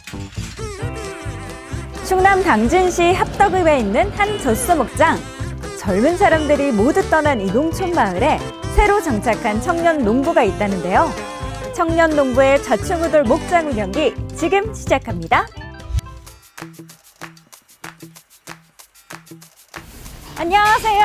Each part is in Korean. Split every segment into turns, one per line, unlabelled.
충남 당진시 합덕읍에 있는 한 젖소 목장. 젊은 사람들이 모두 떠난 이 농촌 마을에 새로 정착한 청년 농부가 있다는데요. 청년 농부의 좌충우돌 목장 운영기 지금 시작합니다. 안녕하세요.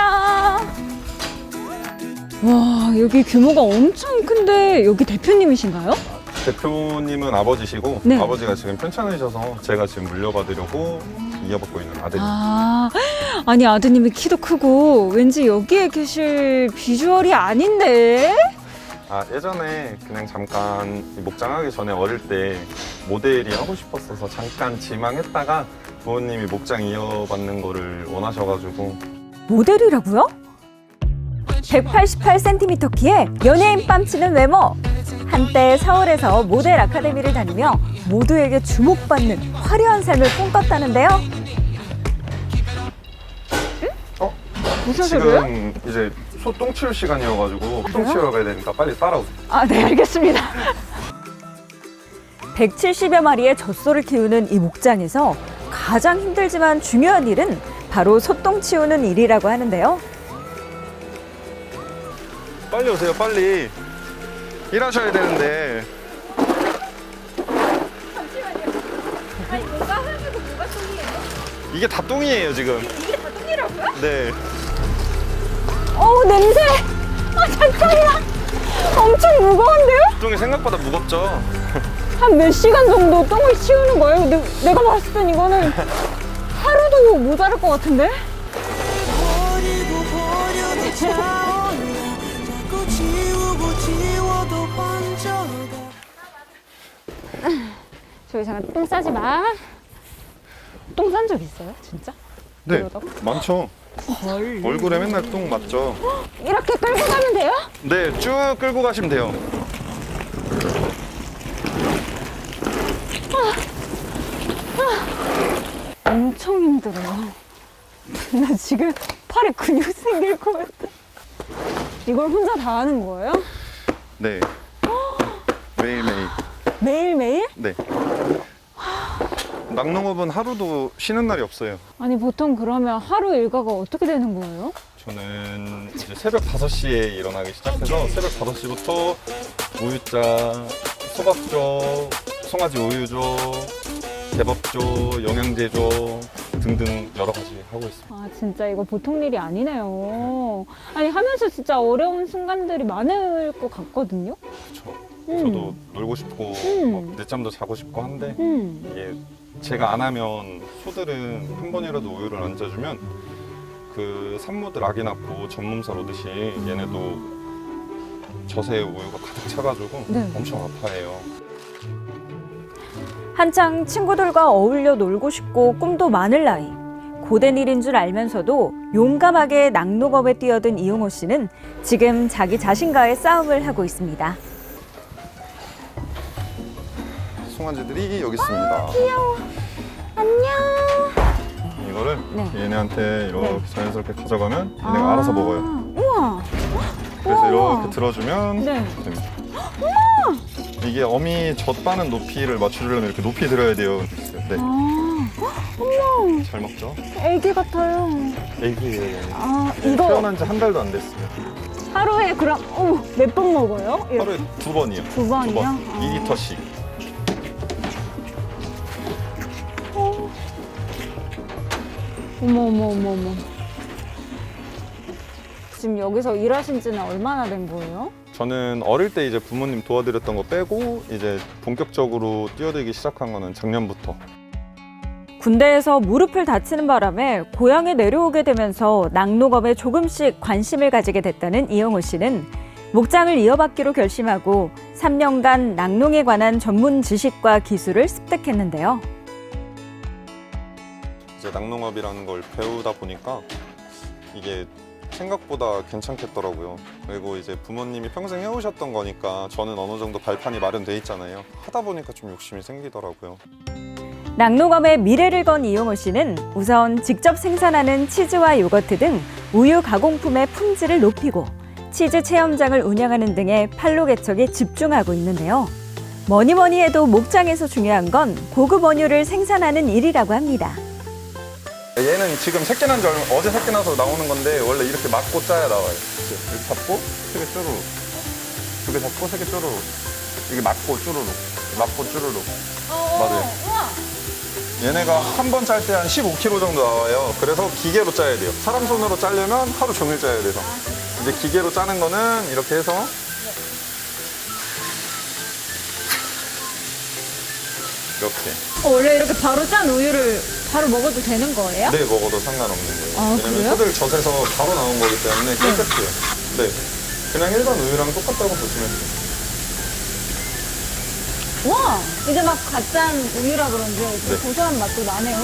와, 여기 규모가 엄청 큰데 여기 대표님이신가요?
대표님은 아버지시고
네.
아버지가 지금 편찮으셔서 제가 지금 물려받으려고 이어받고 있는 아들입니다.
아니 아드님이 키도 크고 왠지 여기에 계실 비주얼이 아닌데?
예전에 그냥 잠깐 이 목장하기 전에 어릴 때 모델이 하고 싶었어서 잠깐 지망했다가 부모님이 목장 이어받는 거를 원하셔가지고.
모델이라고요? 188cm 키에 연예인 뺨치는 외모. 한때 서울에서 모델 아카데미를 다니며 모두에게 주목받는 화려한 삶을 꿈꿨다는데요. 무슨 소리예요?
지금 이제 소 똥 치울 시간이어가지고 똥 치우러 가야 되니까 빨리 따라오세요.
네, 알겠습니다. 170여 마리의 젖소를 키우는 이 목장에서 가장 힘들지만 중요한 일은 바로 소똥 치우는 일이라고 하는데요.
빨리 오세요, 빨리. 일하셔야 되는데.
잠시만요. 아니 뭔가 하면서 뭐가 똥이에요?
이게 다 똥이에요, 지금.
이게 다 똥이라고요?
네.
어우 냄새! 잠깐이야! 엄청 무거운데요?
똥이 생각보다 무겁죠?
한 몇 시간 정도 똥을 치우는 거예요? 내가 봤을 땐 이거는 하루도 모자랄 것 같은데? 저기 잠깐 똥 싸지 마. 똥 싼 적 있어요? 진짜?
네,
이러다가?
많죠. 얼굴에 맨날 똥 맞죠?
이렇게 끌고 가면 돼요?
네, 쭉 끌고 가시면 돼요.
엄청 힘들어요. 나 지금 팔에 근육 생길 것 같아. 이걸 혼자 다 하는 거예요?
네. 매일매일.
매일매일?
네. 낙농업은 하루도 쉬는 날이 없어요.
아니 보통 그러면 하루 일과가 어떻게 되는 거예요?
저는 이제 새벽 5시에 일어나기 시작해서 새벽 5시부터 우유짜, 소박조, 송아지 우유조, 대법조, 영양제조 등등 여러 가지 하고 있습니다.
아 진짜 이거 보통 일이 아니네요. 아니 하면서 진짜 어려운 순간들이 많을 것 같거든요.
그렇죠. 저도 놀고 싶고 막 늦잠도 자고 싶고 한데 이게 제가 안 하면 소들은 한 번이라도 우유를 안 짜주면 그 산모들 아기 낳고 전몸살 오듯이 얘네도 젖에 우유가 가득 차가지고
네.
엄청 아파해요.
한창 친구들과 어울려 놀고 싶고 꿈도 많을 나이. 고된 일인 줄 알면서도 용감하게 낙농업에 뛰어든 이용호 씨는 지금 자기 자신과의 싸움을 하고 있습니다.
송아지들이 여기 있습니다.
귀여워. 안녕.
이거를
네.
얘네한테 이렇게
네.
자연스럽게 가져가면 얘네가 알아서 먹어요.
우와.
그래서
우와.
이렇게 들어주면
네.
됩니다. 이게 어미 젖 빠는 높이를 맞추려면 이렇게 높이 들어야 돼요. 네.
어머.
잘 먹죠?
애기 같아요.
애기예요.
이거
태어난 지 한 달도 안 됐어요.
하루에 그럼 몇 번 먹어요? 이렇게.
하루에 2번이요.
두 번이요?
2리터씩.
어머. 지금 여기서 일하신 지는 얼마나 된 거예요?
저는 어릴 때 이제 부모님 도와드렸던 거 빼고 이제 본격적으로 뛰어들기 시작한 거는 작년부터.
군대에서 무릎을 다치는 바람에 고향에 내려오게 되면서 낙농업에 조금씩 관심을 가지게 됐다는 이영호 씨는 목장을 이어받기로 결심하고 3년간 낙농에 관한 전문 지식과 기술을 습득했는데요.
이제 낙농업이라는 걸 배우다 보니까 이게 생각보다 괜찮겠더라고요. 그리고 이제 부모님이 평생 해오셨던 거니까 저는 어느 정도 발판이 마련돼 있잖아요. 하다 보니까 좀 욕심이 생기더라고요.
낙농업의 미래를 건 이용호 씨는 우선 직접 생산하는 치즈와 요거트 등 우유 가공품의 품질을 높이고 치즈 체험장을 운영하는 등의 판로 개척에 집중하고 있는데요. 뭐니 뭐니 해도 목장에서 중요한 건 고급 원유를 생산하는 일이라고 합니다.
얘는 지금 새끼 난 지 어제 새끼 나서 나오는 건데 원래 이렇게 맞고 짜야 나와요. 이렇게 잡고 세개 쪼르륵, 두 개 잡고 세개 쪼르륵. 이게 맞고 쪼르륵, 맞고 쪼르륵. 맞아요. 얘네가 한 번 짤 때 한 15kg 정도 나와요. 그래서 기계로 짜야 돼요. 사람 손으로 짜려면 하루 종일 짜야 돼서. 이제 기계로 짜는 거는 이렇게 해서 이렇게.
원래 이렇게 바로 짠 우유를 바로 먹어도 되는 거예요?
네, 먹어도 상관없는 거예요.
아,
왜냐면
그래요?
소들 젖에서 바로 나온 거기 때문에 깨끗해요. 네. 그냥 일반 우유랑 똑같다고 보시면 돼요.
와, 이제 막 갓짠 우유라 그런지
네.
고소한 맛도 나네요.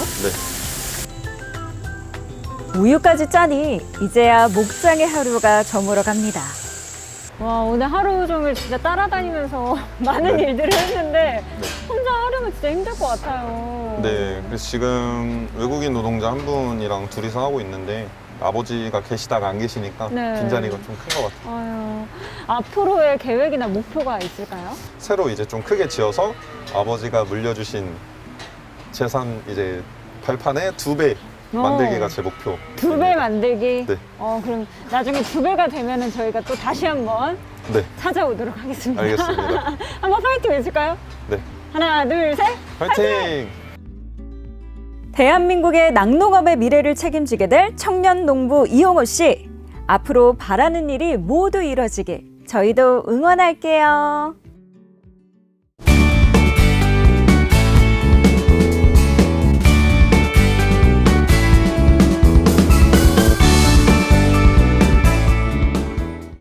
네.
우유까지 짜니 이제야 목장의 하루가 저물어 갑니다. 와, 오늘 하루 종일 진짜 따라다니면서 많은
네.
일들을 했는데
네.
혼자 하려면 진짜 힘들 것 같아요.
네, 그래서 지금 외국인 노동자 한 분이랑 둘이서 하고 있는데 아버지가 계시다가 안 계시니까
네.
빈자리가 좀 큰 것 같아요.
아유, 앞으로의 계획이나 목표가 있을까요?
새로 이제 좀 크게 지어서 아버지가 물려주신 재산 이제 발판의 2배 만들기가 제 목표.
2배 만들기?
네.
그럼 나중에 2배가 되면은 저희가 또 다시 한번
네,
찾아오도록 하겠습니다.
알겠습니다.
한번 파이팅 해줄까요?
네,
하나, 둘, 셋.
파이팅!
대한민국의 낙농업의 미래를 책임지게 될 청년 농부 이용호 씨. 앞으로 바라는 일이 모두 이뤄지길 저희도 응원할게요.